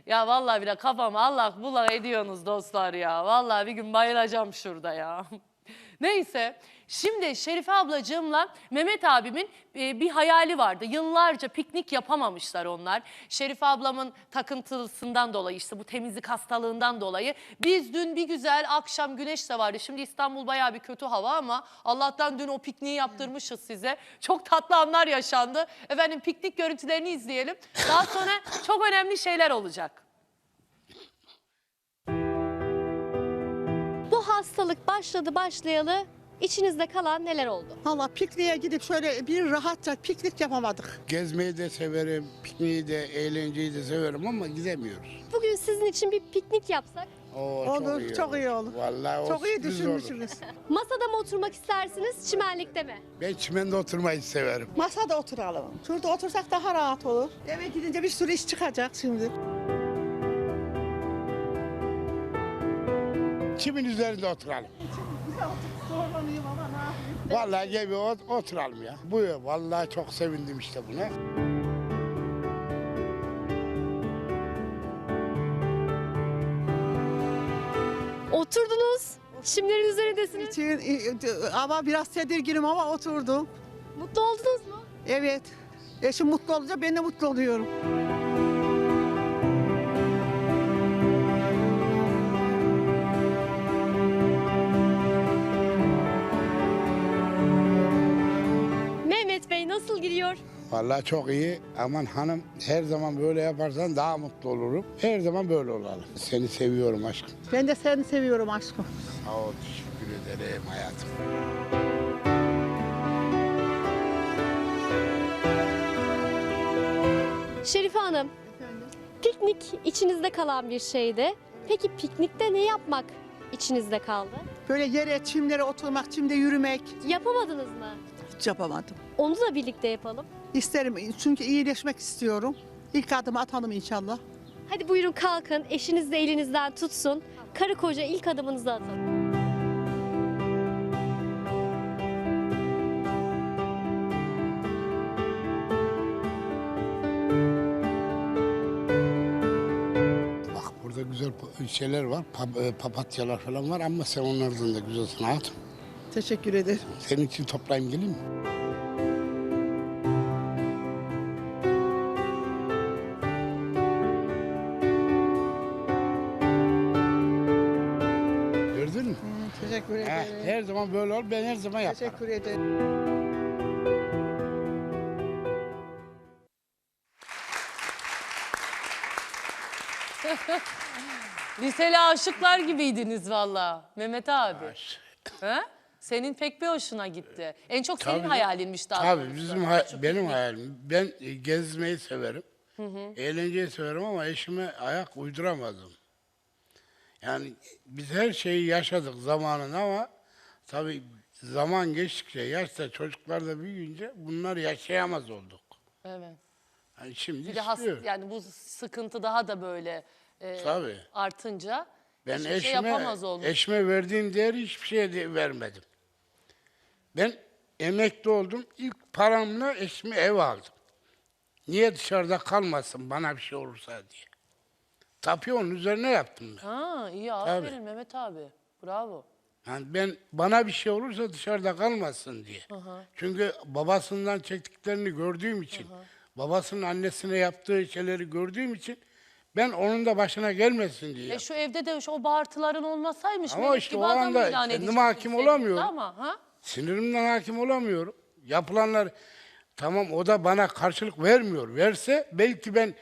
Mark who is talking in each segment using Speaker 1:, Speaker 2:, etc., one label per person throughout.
Speaker 1: Ya vallahi bile kafamı allak bullak ediyorsunuz dostlar ya. Vallahi bir gün bayılacağım şurada ya. Neyse, şimdi Şerife ablacığımla Mehmet abimin bir hayali vardı. Yıllarca piknik yapamamışlar onlar. Şerife ablamın takıntısından dolayı, işte bu temizlik hastalığından dolayı. Biz dün bir güzel akşam, güneş de vardı. Şimdi İstanbul bayağı bir kötü hava ama Allah'tan dün o pikniği yaptırmışız size. Çok tatlı anlar yaşandı. Efendim piknik görüntülerini izleyelim. Daha sonra çok önemli şeyler olacak.
Speaker 2: Bu hastalık başladı başlayalı içinizde kalan neler oldu?
Speaker 3: Valla pikniğe gidip şöyle bir rahatça piknik yapamadık.
Speaker 4: Gezmeyi de severim, pikniği de, eğlenceyi de severim ama gidemiyoruz.
Speaker 2: Bugün sizin için bir piknik yapsak,
Speaker 3: Olur, çok iyi olur.
Speaker 4: Vallahi
Speaker 3: Çok iyi
Speaker 4: sürpriz olur.
Speaker 3: düşünmüşsünüz.
Speaker 2: masada mı oturmak istersiniz, çimenlikte mi?
Speaker 4: Ben çimende oturmayı severim.
Speaker 3: Masada oturalım. Şurada otursak daha rahat olur. Eve gidince bir sürü iş çıkacak şimdi.
Speaker 4: Çimin üzerinde oturalım.
Speaker 3: Zorlanayım ama ne yapayım?
Speaker 4: Vallahi gel bir oturalım ya. Buyur, vallahi çok sevindim işte buna.
Speaker 2: Oturdunuz, çimlerin üzerindesiniz.
Speaker 3: Ama biraz tedirginim ama oturdum.
Speaker 2: Mutlu oldunuz mu?
Speaker 3: Evet. Eşim mutlu olunca ben de mutlu oluyorum.
Speaker 2: Mehmet Bey nasıl gidiyor?
Speaker 4: Vallahi çok iyi. Aman hanım, her zaman böyle yaparsan daha mutlu olurum. Her zaman böyle olalım. Seni seviyorum aşkım.
Speaker 3: Ben de seni seviyorum aşkım.
Speaker 4: Sağ ol, teşekkür ederim hayatım.
Speaker 2: Şerife Hanım, piknik içinizde kalan bir şeydi. Peki piknikte ne yapmak içinizde kaldı?
Speaker 3: Böyle yere, çimlere oturmak, çimde yürümek
Speaker 2: Yapamadınız mı?
Speaker 3: hiç yapamadım.
Speaker 2: Onu da birlikte yapalım.
Speaker 3: İsterim çünkü iyileşmek istiyorum. İlk adımı atalım inşallah.
Speaker 2: Hadi buyurun kalkın, eşiniz de elinizden tutsun. Karı koca ilk adımınızı atın.
Speaker 4: Bak burada güzel şeyler var, papatyalar falan var ama sen onlardan da güzelsin hayatım.
Speaker 3: Teşekkür ederim.
Speaker 4: Senin için toplayayım geleyim mi? Gördün mü?
Speaker 3: Teşekkür ederim.
Speaker 4: Her zaman böyle ol, ben her zaman yaparım.
Speaker 3: Teşekkür ederim.
Speaker 1: Liseli aşıklar gibiydiniz valla Mehmet abi.
Speaker 4: Baş.
Speaker 1: Ha? Senin pek bir hoşuna gitti. En çok senin
Speaker 4: Tabii.
Speaker 1: hayalinmiş daha
Speaker 4: Tabii
Speaker 1: doğrusu.
Speaker 4: bizim benim hayalim. Ben gezmeyi severim. Eğlenceyi severim ama eşime ayak uyduramadım. Yani biz her şeyi yaşadık zamanında ama tabii zaman geçtikçe, yaşta çocuklar da büyüyünce bunlar yaşayamaz olduk.
Speaker 1: Evet.
Speaker 4: Yani şimdi
Speaker 1: Bir de
Speaker 4: istiyor.
Speaker 1: yani bu sıkıntı daha da böyle
Speaker 4: Tabii.
Speaker 1: artınca
Speaker 4: Ben
Speaker 1: hiçbir şey yapamaz
Speaker 4: eşime,
Speaker 1: olmuş.
Speaker 4: eşime verdiğim değeri hiçbir şeye vermedim. Ben emekli oldum. İlk paramla eşime ev aldım. Niye dışarıda kalmasın bana bir şey olursa diye. Tabii onun üzerine yaptım ben.
Speaker 1: Ha iyi aferin Mehmet abi. Bravo.
Speaker 4: Yani ben bana bir şey olursa dışarıda kalmasın diye. Çünkü babasından çektiklerini gördüğüm için, babasının annesine yaptığı şeyleri gördüğüm için ben onun da başına gelmesin diye.
Speaker 1: Şu evde de o bağırtıların olmasaymış.
Speaker 4: Ama
Speaker 1: Melek
Speaker 4: işte
Speaker 1: gibi
Speaker 4: o
Speaker 1: adam
Speaker 4: anda
Speaker 1: ilan
Speaker 4: kendime
Speaker 1: edecektin
Speaker 4: hakim
Speaker 1: sevgili
Speaker 4: olamıyorum.
Speaker 1: Ama, ha?
Speaker 4: Sinirimden hakim olamıyorum. Yapılanlar tamam o da bana karşılık vermiyor. Verse belki ben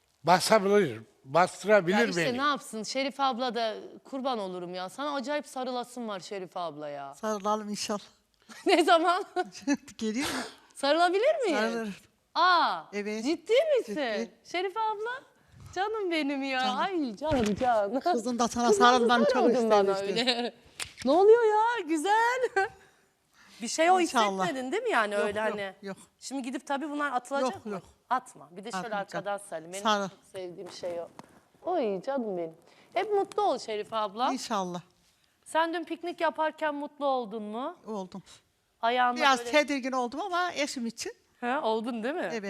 Speaker 4: bastırabilir
Speaker 1: Ya işte
Speaker 4: beni.
Speaker 1: ne yapsın Şerife abla da kurban olurum ya. Sana acayip sarılasın var Şerife abla ya.
Speaker 3: Sarılalım inşallah.
Speaker 1: Ne zaman?
Speaker 3: Geliyor mu?
Speaker 1: Sarılabilir miyim?
Speaker 3: Sarılırım.
Speaker 1: Aa,
Speaker 3: Evet.
Speaker 1: ciddi misin?
Speaker 3: Ciddi.
Speaker 1: Şerife abla? Canım benim ya.
Speaker 3: Canım.
Speaker 1: Ay canım.
Speaker 3: Kızım da sana
Speaker 1: Kız nasıl
Speaker 3: sarılmanı çok
Speaker 1: sarıldın bana
Speaker 3: istemişti.
Speaker 1: öyle? Ne oluyor ya? Güzel. Bir şey o
Speaker 3: İnşallah.
Speaker 1: hissetmedin değil mi yani
Speaker 3: Yok,
Speaker 1: öyle
Speaker 3: yok,
Speaker 1: hani?
Speaker 3: yok.
Speaker 1: Şimdi gidip tabii bunlar atılacak
Speaker 3: Yok,
Speaker 1: mı?
Speaker 3: yok.
Speaker 1: Atma. Bir de şöyle
Speaker 3: Atmayacağım.
Speaker 1: arkadan sarılayım. Benim
Speaker 3: Sarıl.
Speaker 1: çok sevdiğim şey o. Oy canım benim. Hep mutlu ol Şerife abla.
Speaker 3: İnşallah.
Speaker 1: Sen dün piknik yaparken mutlu oldun mu?
Speaker 3: Oldum.
Speaker 1: Ayağında
Speaker 3: Biraz
Speaker 1: böyle...
Speaker 3: tedirgin oldum ama eşim için.
Speaker 1: Ha, oldun değil mi?
Speaker 3: Evet.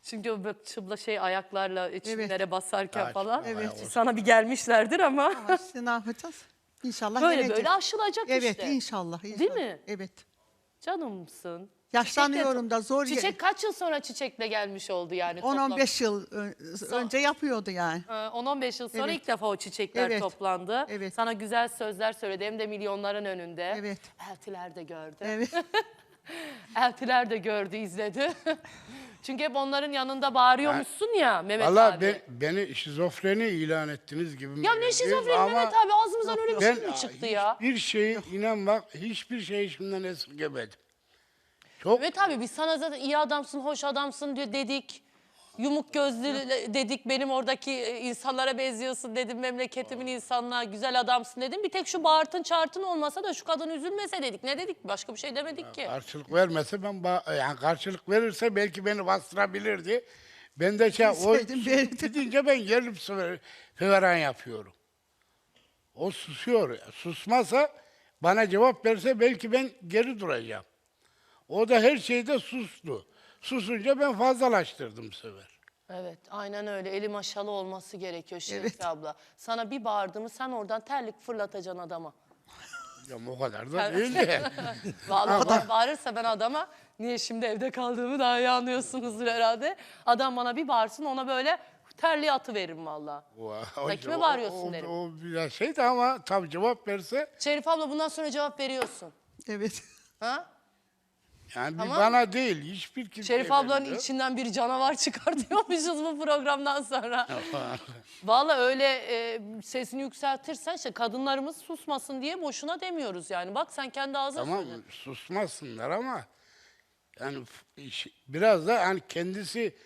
Speaker 1: Çünkü o böyle çıbla ayaklarla çimlere basarken
Speaker 4: Ağaç,
Speaker 1: falan.
Speaker 4: evet.
Speaker 1: Sana bir gelmişlerdir ama.
Speaker 3: Ama işte ne yapacağız? İnşallah
Speaker 1: Böyle
Speaker 3: yeneceğiz.
Speaker 1: böyle aşılacak
Speaker 3: Evet
Speaker 1: işte.
Speaker 3: inşallah.
Speaker 1: Değil mi?
Speaker 3: Evet.
Speaker 1: Canımsın.
Speaker 3: Yaşlanıyorum da zor.
Speaker 1: Çiçek kaç yıl sonra çiçekle gelmiş oldu yani
Speaker 3: 10-15 yıl önce yapıyordu yani.
Speaker 1: 10-15 yıl sonra
Speaker 3: Evet.
Speaker 1: ilk defa o çiçekler
Speaker 3: Evet.
Speaker 1: toplandı.
Speaker 3: Evet.
Speaker 1: Sana güzel sözler söyledi hem de milyonların önünde.
Speaker 3: Evet.
Speaker 1: Eltiler de gördü.
Speaker 3: Evet.
Speaker 1: Eltiler de gördü, izledi. Çünkü hep onların yanında bağırıyormuşsun ya Mehmet
Speaker 4: Valla
Speaker 1: abi.
Speaker 4: beni şizofreni ilan ettiniz gibi.
Speaker 1: Ya ne şizofreni
Speaker 4: Ama
Speaker 1: Mehmet abi, ağzımızdan öyle bir şey
Speaker 4: ben
Speaker 1: mi çıktı ya?
Speaker 4: hiçbir şeyi inan bak hiçbir şey içimden esirgemedim. Çok
Speaker 1: Mehmet abi biz sana zaten iyi adamsın, hoş adamsın diyor dedik. Yumuk gözlü dedik, benim oradaki insanlara benziyorsun dedim, memleketimin insanına güzel adamsın dedim. Bir tek şu bağırtın çağırtın olmasa da şu kadın üzülmese dedik. Ne dedik? Başka bir şey demedik ki.
Speaker 4: karşılık vermese yani karşılık verirse belki beni bastırabilirdi. Ben de
Speaker 3: Bilseydim verirdim.
Speaker 4: gidince ben gelip feveran yapıyorum. O susuyor. Susmasa bana cevap verse belki ben geri duracağım. O da her şeyde sustu. Susunca ben fazlalaştırdım bu sefer.
Speaker 1: Evet, aynen öyle. Eli maşalı olması gerekiyor Şerife abla. Sana bir bağırdığımı sen oradan terlik fırlatacaksın adama.
Speaker 4: Ya o kadar da değil de.
Speaker 1: Vallahi bana bağırırsa ben adama, niye şimdi evde kaldığımı daha iyi anlıyorsunuzdur herhalde. Adam bana bir bağırsın, ona böyle terliği atıveririm vallahi. Sen kime bağırıyorsun derim.
Speaker 4: O biraz şeydi ama tabii cevap verse
Speaker 1: Şerife abla bundan sonra cevap veriyorsun.
Speaker 3: Evet.
Speaker 1: Ha?
Speaker 4: yani
Speaker 1: Tamam.
Speaker 4: bir bana değil hiçbir kimseye
Speaker 1: Şerife ablanın
Speaker 4: vermiyor.
Speaker 1: içinden bir canavar çıkartıyormuşuz bu programdan sonra. Vallahi öyle sesini yükseltirsen işte kadınlarımız susmasın diye boşuna demiyoruz yani. Bak sen kendi ağzına
Speaker 4: Tamam
Speaker 1: söyledin.
Speaker 4: susmasınlar ama yani biraz da hani kendisi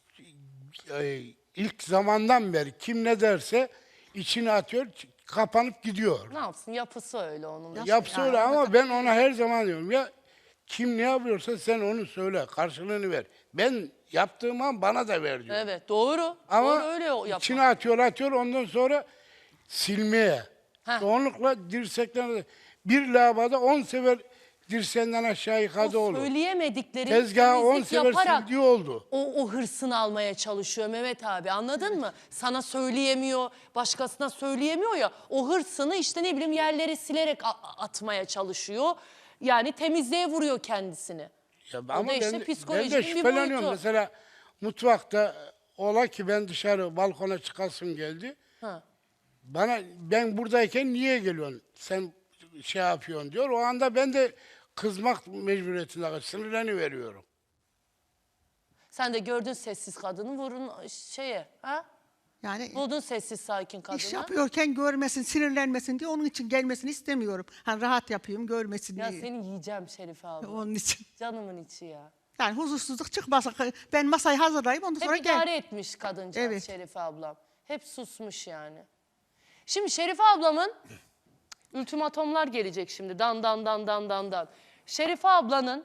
Speaker 4: ilk zamandan beri kim ne derse içine atıyor, kapanıp gidiyor.
Speaker 1: Ne yapsın, yapısı öyle onun.
Speaker 4: Yapsa öyle ama ben ona her zaman diyorum ya kim ne yapıyorsa sen onu söyle, karşılığını ver. Ben yaptığım an bana da ver diyor.
Speaker 1: Evet doğru.
Speaker 4: Ama
Speaker 1: Doğru öyle yapmak.
Speaker 4: içine atıyor ondan sonra silmeye.
Speaker 1: Heh.
Speaker 4: Çoğunlukla dirsekten bir lavada 10 sefer dirseğinden aşağı yıkadı
Speaker 1: O
Speaker 4: olur.
Speaker 1: söyleyemedikleri
Speaker 4: Tezgahı 10
Speaker 1: temizlik
Speaker 4: sefer
Speaker 1: yaparak
Speaker 4: sildiği oldu.
Speaker 1: o hırsını almaya çalışıyor Mehmet abi, anladın mı? Sana söyleyemiyor, başkasına söyleyemiyor ya, o hırsını işte ne bileyim yerleri silerek atmaya çalışıyor. Yani temizliğe vuruyor kendisini.
Speaker 4: Ya
Speaker 1: O da
Speaker 4: ama
Speaker 1: işte
Speaker 4: ben de
Speaker 1: psikolojinin bir
Speaker 4: şüpheleniyorum.
Speaker 1: boyutu.
Speaker 4: Mesela mutfakta ola ki ben dışarı balkona çıkasım geldi.
Speaker 1: Ha.
Speaker 4: Ben buradayken niye geliyorsun? Sen şey yapıyorsun diyor. O anda ben de kızmak mecburiyetinde sinirleniveriyorum.
Speaker 1: Sen de gördün sessiz kadını, vurun şeye. Ha?
Speaker 3: Yani
Speaker 1: Buldun sessiz sakin kadını.
Speaker 3: iş yapıyorken görmesin, sinirlenmesin diye onun için gelmesini istemiyorum. Hani rahat yapayım, görmesin
Speaker 1: Ya
Speaker 3: diye.
Speaker 1: seni yiyeceğim Şerife abla.
Speaker 3: Onun için.
Speaker 1: Canımın içi ya.
Speaker 3: Yani huzursuzluk çıkmasa ben masayı hazırlayayım ondan sonra
Speaker 1: Hep
Speaker 3: gel.
Speaker 1: idare etmiş kadıncağız
Speaker 3: Evet.
Speaker 1: Şerife ablam. Hep susmuş yani. Şimdi Şerife ablamın ultimatomlar gelecek şimdi. Dan dan dan dan dan dan. Şerife ablanın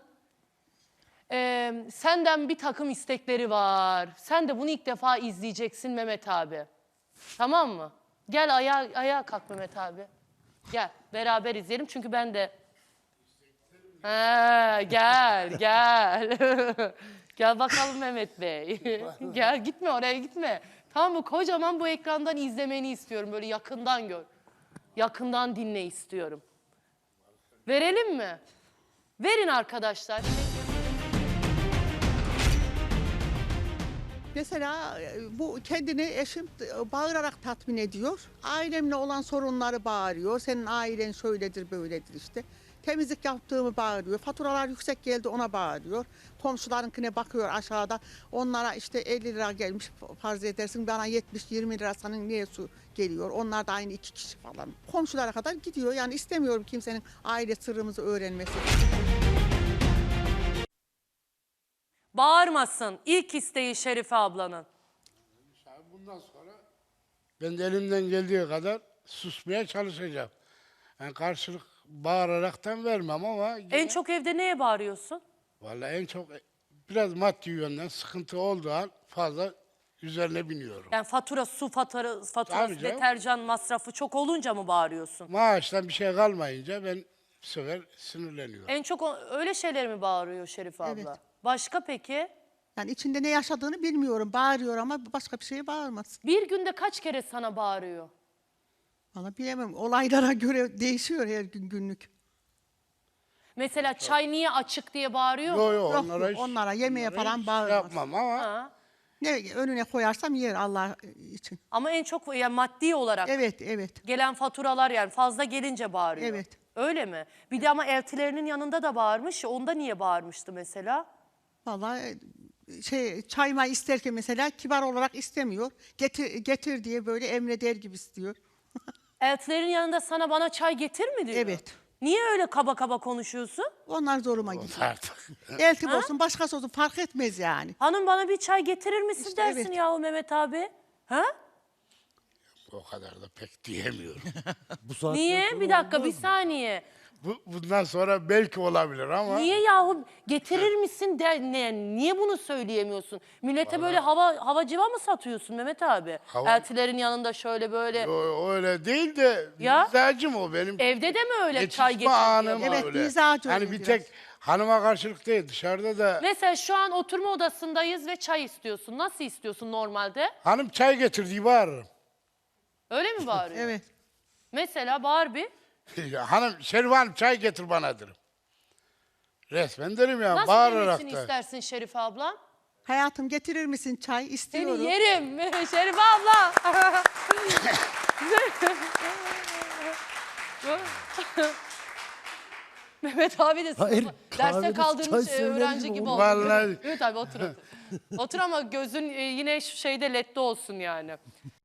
Speaker 1: senden bir takım istekleri var. Sen de bunu ilk defa izleyeceksin Mehmet abi. Tamam mı? Gel ayağa kalk Mehmet abi. Gel beraber izleyelim çünkü ben de... Ha, gel. Gel bakalım Mehmet Bey. Gel gitme oraya gitme. Tamam mı? Kocaman bu ekrandan izlemeni istiyorum. Böyle yakından gör. Yakından dinle istiyorum. Verelim mi? Verin arkadaşlar.
Speaker 3: Mesela bu kendini eşim bağırarak tatmin ediyor. Ailemle olan sorunları bağırıyor. Senin ailen şöyledir böyledir işte. Temizlik yaptığımı bağırıyor. Faturalar yüksek geldi ona bağırıyor. Komşularınkine bakıyor aşağıda. Onlara işte 50 lira gelmiş farz edersin. Bana 70-20 lira senin niye su geliyor? Onlar da aynı 2 kişi falan. Komşulara kadar gidiyor. Yani istemiyorum kimsenin aile sırrımızı öğrenmesi.
Speaker 1: Bağırmasın. İlk isteği Şerife ablanın.
Speaker 4: Bundan sonra ben de elimden geldiği kadar susmaya çalışacağım. Yani karşılık bağıraraktan vermem ama
Speaker 1: En çok evde neye bağırıyorsun?
Speaker 4: vallahi en çok biraz maddi yönden sıkıntı olduğu an fazla üzerine biniyorum.
Speaker 1: Yani fatura, su faturası,
Speaker 4: Tabii canım.
Speaker 1: deterjan masrafı çok olunca mı bağırıyorsun?
Speaker 4: Maaştan bir şey kalmayınca ben bu sefer sinirleniyorum.
Speaker 1: En çok öyle şeyler mi bağırıyor Şerife abla?
Speaker 3: Evet.
Speaker 1: Başka peki?
Speaker 3: Yani içinde ne yaşadığını bilmiyorum. Bağırıyor ama başka bir şeye bağırmaz.
Speaker 1: Bir günde kaç kere sana bağırıyor?
Speaker 3: Valla bilemem. Olaylara göre değişiyor her gün günlük.
Speaker 1: Mesela çay niye açık diye bağırıyor mu?
Speaker 4: Yo
Speaker 3: Yok,
Speaker 4: onlara hiç,
Speaker 3: onlara yemeğe
Speaker 4: onlara
Speaker 3: falan
Speaker 4: hiç
Speaker 3: bağırmaz.
Speaker 4: yapmam ama
Speaker 1: Ha.
Speaker 3: Ne önüne koyarsam yer Allah için.
Speaker 1: Ama en çok yani maddi olarak
Speaker 3: Evet, evet.
Speaker 1: gelen faturalar yani fazla gelince bağırıyor.
Speaker 3: Evet.
Speaker 1: Öyle mi? Bir de ama eltilerinin yanında da bağırmış ya, onda niye bağırmıştı mesela?
Speaker 3: Vallahi çayma isterken mesela kibar olarak istemiyor. Getir diye böyle emreder gibi istiyor.
Speaker 1: Eltilerin yanında sana bana çay getir mi diyor?
Speaker 3: Evet.
Speaker 1: Niye öyle kaba kaba konuşuyorsun?
Speaker 3: Onlar zoruma gidiyor.
Speaker 4: artık.
Speaker 3: Eltim olsun başkası olsun fark etmez yani.
Speaker 1: Hanım bana bir çay getirir misin
Speaker 3: İşte
Speaker 1: dersin
Speaker 3: evet.
Speaker 1: yahu Mehmet abi. Ha?
Speaker 4: O kadar da pek diyemiyorum.
Speaker 5: Bu saatten
Speaker 1: Niye?
Speaker 5: sonra
Speaker 1: Bir dakika,
Speaker 5: olmaz
Speaker 1: bir
Speaker 5: mı?
Speaker 1: saniye.
Speaker 4: Bundan sonra belki olabilir ama
Speaker 1: Niye yahu getirir misin niye bunu söyleyemiyorsun? Millete böyle hava civa mı satıyorsun Mehmet abi?
Speaker 4: Hava-
Speaker 1: Eltilerin yanında şöyle böyle.
Speaker 4: öyle değil de
Speaker 1: Ya?
Speaker 4: mizacım o benim.
Speaker 1: Evde de mi öyle çay
Speaker 4: Yetişme
Speaker 1: getir
Speaker 4: anım
Speaker 1: diye?
Speaker 3: Evet,
Speaker 4: öyle.
Speaker 3: mizacı
Speaker 4: Hani
Speaker 3: oluyor
Speaker 4: bir
Speaker 3: biraz.
Speaker 4: tek hanıma karşılık değil dışarıda da
Speaker 1: Mesela şu an oturma odasındayız ve çay istiyorsun. Nasıl istiyorsun normalde?
Speaker 4: hanım çay getir diye bağırırım.
Speaker 1: Öyle mi bağırıyor?
Speaker 3: Evet.
Speaker 1: Mesela bağır bir.
Speaker 4: Hanım Şerif Hanım çay getir bana derim. Resmen derim ya
Speaker 1: Nasıl
Speaker 4: bağırarak
Speaker 1: demesini
Speaker 4: da.
Speaker 1: istersin Şerife abla?
Speaker 3: Hayatım getirir misin çay? İstiyorum.
Speaker 1: Seni yerim Şerife abla. Mehmet abi de
Speaker 5: Hayır,
Speaker 1: sınıfa derste
Speaker 5: kahvede
Speaker 1: kaldığın
Speaker 5: çay söylerim
Speaker 1: öğrenci gibi
Speaker 5: oğlum.
Speaker 1: oldu.
Speaker 4: Vallahi.
Speaker 1: Mehmet abi otur otur. Otur ama gözün yine şu şeyde ledde olsun yani.